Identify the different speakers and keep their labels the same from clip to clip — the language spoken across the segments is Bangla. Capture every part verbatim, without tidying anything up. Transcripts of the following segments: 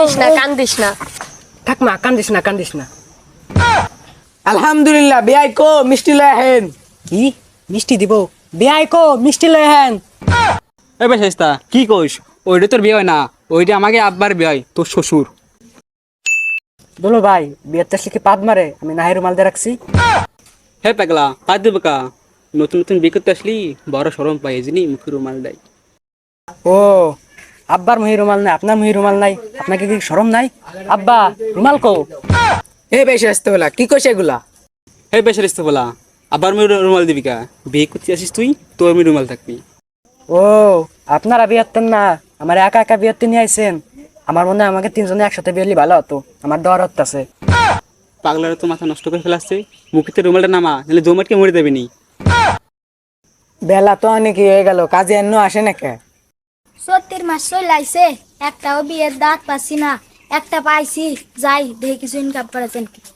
Speaker 1: কান্দিস না কান্দিস না
Speaker 2: থাক মা কান্দিস না কান্দিস না।
Speaker 3: আলহামদুলিল্লাহ বিয়াই কো মিষ্টি লয় আহেন।
Speaker 2: কি মিষ্টি দিব? বিয়াই কো মিষ্টি লয় হেন।
Speaker 4: এ ভাই শাইস্তা কি কইস? ওইটা তোর বিয়ে হয় না, ওইটা আমাকে আব্বার বিয়ে হয়, তোর শ্বশুর।
Speaker 2: বলো ভাই বিয়ের তো কি পাদ মারে? আমি নাহির মাল দিয়ে রাখছি।
Speaker 4: হে পাগলা পাত দেবো কা? নতুন নতুন বিয়ে করতে আসলি বড় সরম পাই যিনি মুখের রুমাল দেয়।
Speaker 2: ও আব্বার মহি রুমাল নাই, আপনার মহি রুমাল নাই, আপনাকে কি শরম নাই? আব্বা রুমাল কো?
Speaker 3: হে বেশি আসতে বলা কি কইছে এগুলা?
Speaker 4: হে বেশার ইস্তে বলা আবার আমি রুমাল দিবি কা? বিয়ে করতে আসিস তুই, তোর আমি রুমাল থাকবি।
Speaker 2: ও আপনারা বিয়াতেন না, আমার একা একা বিয়াতে নিয়ে আইছেন। আমার মনে হয় আমাকে তিনজনে একসাথে বিয়ালি ভালো হতো, আমার দর হচ্ছে।
Speaker 4: পাগলারা তো মাথা নষ্ট করে ফেলাচ্ছে, মুখেতে রুমালটা নামা নাহলে জমাটকে মরে দেবে নি।
Speaker 3: বেলা তো অনেক হয়ে গেল, কাজে এন্ন আসে না কে?
Speaker 5: সত্যির মাস চলে আইছে, একটাও বিয়ের দাঁত পাচ্ছি না, একটা পাইছি, যাই দেখি কিছু ইনকাম করেছেন কি।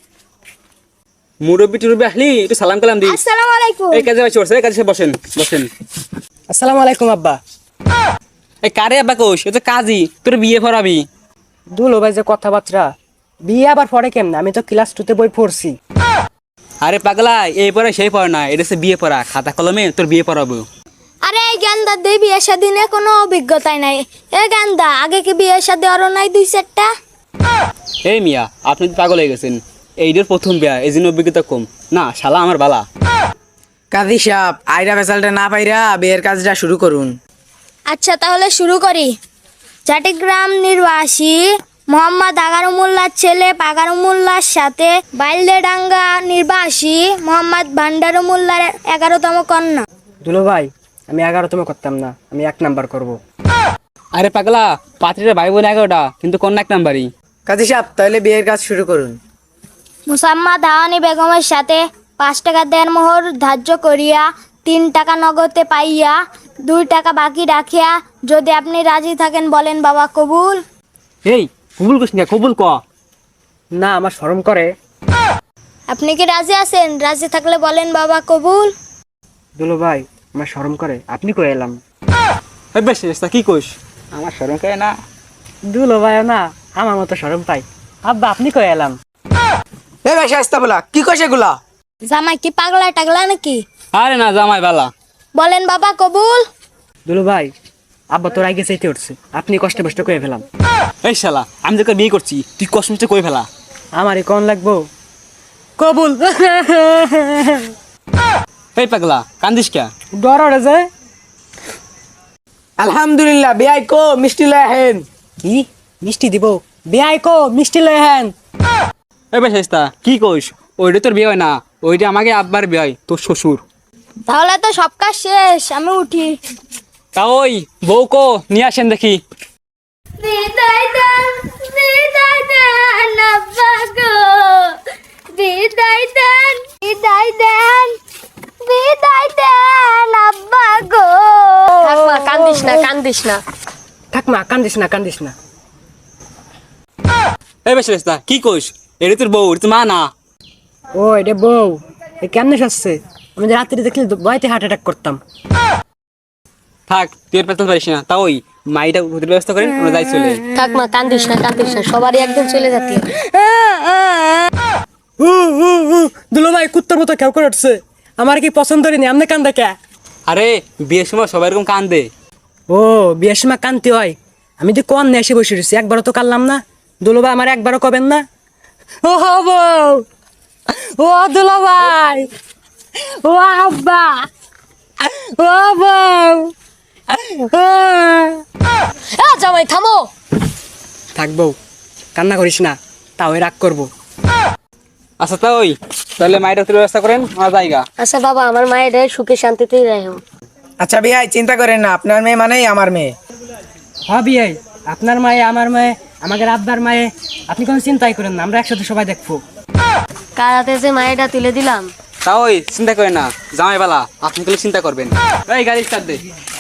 Speaker 4: মুরব্বি টুরব্বি আসলি একটু সালাম কালাম দি।
Speaker 5: আসসালামু আলাইকুম।
Speaker 4: এই কাজে বসে এই কাজে বসেন বসেন।
Speaker 2: আসসালামু আলাইকুম আব্বা।
Speaker 4: এই কারে আব্বা কোষ? এ তো কাজী, তোর বিয়ে পড়াবি।
Speaker 2: দুলো ভাই যে কথাবার্তা, বিয়ে আবার পরে কেমন? আমি তো ক্লাস টুতে বই পড়ছি।
Speaker 4: আরে পাগলা এই পড়া সেই পড়া না, এটা হচ্ছে বিয়ে পড়া, খাতা কলমে তোর বিয়ে পড়াবো।
Speaker 5: আরে এই গান্দা দে বিয়ের সাদিনে কোনো অভিজ্ঞতাই নাই। এ গান্দা আগে কি বিয়ের সাথে আরো নাই দুই চারটা?
Speaker 4: এই মিয়া আপনি তো পাগল হয়ে গেছেন, এইটার প্রথম বিয়া এই জন্য অভিজ্ঞতা কম না, শালা আমার বালা।
Speaker 3: কাজী সাহেব আইরা বেসালটা না পাইরা বিয়ের কাজটা শুরু করুন।
Speaker 5: আচ্ছা তাহলে শুরু করি। চাটিগ্রাম নির্বাসী মোহাম্মদ আগারুমুল্লার ছেলে পাগারুমুল্লার সাথে বাইলদেডাঙ্গা নির্বাসী মোহাম্মদ ভান্ডারুমুল্লার এগারোতম কন্যা।
Speaker 2: দুলো ভাই আমি এগারোতম করতাম না, আমি এক নাম্বার করব।
Speaker 4: আরে পাগলা পাত্রীরা ভাই বোন এগারোটা কিন্তু কন্যা এক নাম্বারই।
Speaker 3: কাজী সাহেব তাহলে বিয়ের কাজ শুরু করুন।
Speaker 5: মুসাম্মদ হাওয়ানি বেগমের সাথে পাঁচ টাকা দেড় মোহর ধার্য করিয়া তিন টাকা নগদে পাইয়া দুই টাকা বাকি রাখিয়া যদি আপনি রাজি থাকেন বলেন বাবা কবুল।
Speaker 4: এই কবুল করিস না, কবুল ক।
Speaker 2: না আমার শরম করে।
Speaker 5: আপনি কি রাজি আছেন? রাজি থাকলে বলেন বাবা কবুল।
Speaker 2: দুলো ভাই আমার শরম করে, আপনি কই এলাম?
Speaker 4: এই বেশ তা কি কইস? আমার শরম করে না।
Speaker 2: দুলো ভাইও না আমার মতো শরম পাই। আব্বা আপনি কই এলাম?
Speaker 3: হে বেশি আসতে বলা কি কইছে এগুলা?
Speaker 5: জামাই কি পাগলা টাগলা নাকি?
Speaker 4: আরে না জামাই বালা।
Speaker 5: বলেন বাবা কবুল।
Speaker 2: দুলো ভাই আব্বা তোর আগে চাইতে উঠছে, আপনি কষ্ট কষ্ট করে ফেলাম।
Speaker 4: এই শালা আমি তোকে বিয়ে করছি, তুই কষ্ট মষ্ট করে ফেলা।
Speaker 2: আমারই কোন লাগবো? কবুল।
Speaker 4: এই পাগলা কান্দিস কে?
Speaker 2: ডর ওরে যায়।
Speaker 3: আলহামদুলিল্লাহ বিয়াই কো মিষ্টি লয় আহেন।
Speaker 2: কি মিষ্টি দিব? বিয়াই কো মিষ্টি লয় হেন।
Speaker 4: এই বেশ কি কইস? ওইটা তোর বিয়ে হয় না, ওইটা আমাকে আব্বার বিয়ে হয়, তোর শ্বশুর।
Speaker 5: তাহলে তো সব কাজ শেষ, আমি উঠি।
Speaker 4: তা ওই বউ কো নিয়ে আসেন দেখি।
Speaker 5: বিদায় দেন বিদায় দেন আব্বা গো, বিদায় দেন বিদায় দেন বিদায় দেন আব্বা গো।
Speaker 1: থাক মা কান্দিস না কান্দিস না
Speaker 2: থাক মা কান্দিস না কান্দিস না।
Speaker 4: এই বেশ কি কইস? এটা তোর বউ, এটা তোর মা না।
Speaker 2: ও এটা বউ, এ কেমনে সাজছে? আমি যে রাত্রি দেখলে ভয়তে হার্ট অ্যাটাক করতাম।
Speaker 4: থাক তুই পেতে পারিস না, তা ওই মাইটা হোটেল ব্যবস্থা করেন, ওরা যাই চলে।
Speaker 1: থাক মা কান্দিস না কান্দিস না, সবারই একদিন চলে যাতে।
Speaker 2: দুলো ভাই কুত্তার মতো কেউ করে উঠছে, আমার কি পছন্দ হয়নি? আমনে কান্দা কে?
Speaker 4: আরে বিয়ের সময় সবাই এরকম কান্দে।
Speaker 2: ও বিয়ের সময় কান্তি হয়? আমি তো কন এসে বসে রয়েছি, একবারও তো কানলাম না। দুলো ভাই আমার একবারও কবেন না? ও বউ, ও দুলো ভাই, ও আব্বা, ও বউ।
Speaker 1: এ জামাই থামো।
Speaker 2: থাকবো কান্না করিস না, তাও রাগ করবো।
Speaker 4: আচ্ছা তা ওই তাহলে মাইটা হোটেল ব্যবস্থা করেন, আমার জায়গা।
Speaker 1: আচ্ছা বাবা আমার মায়ের সুখে শান্তিতেই রাখো।
Speaker 3: আচ্ছা বিয়াই চিন্তা করেন না, আপনার মেয়ে মানেই আমার মেয়ে।
Speaker 2: হবি এই আপনার মায়ে আমার মায়ে আমাদের আব্বার মায়ে, আপনি কোনো চিন্তাই করেন না, আমরা একসাথে সবাই দেখবো।
Speaker 1: কার হাতে যে মায়েরটা তুলে দিলাম।
Speaker 4: তা ওই চিন্তা করেন না জামাই বালা, আপনি কেন চিন্তা করবেন? এই গাড়ি স্টার্ট দে।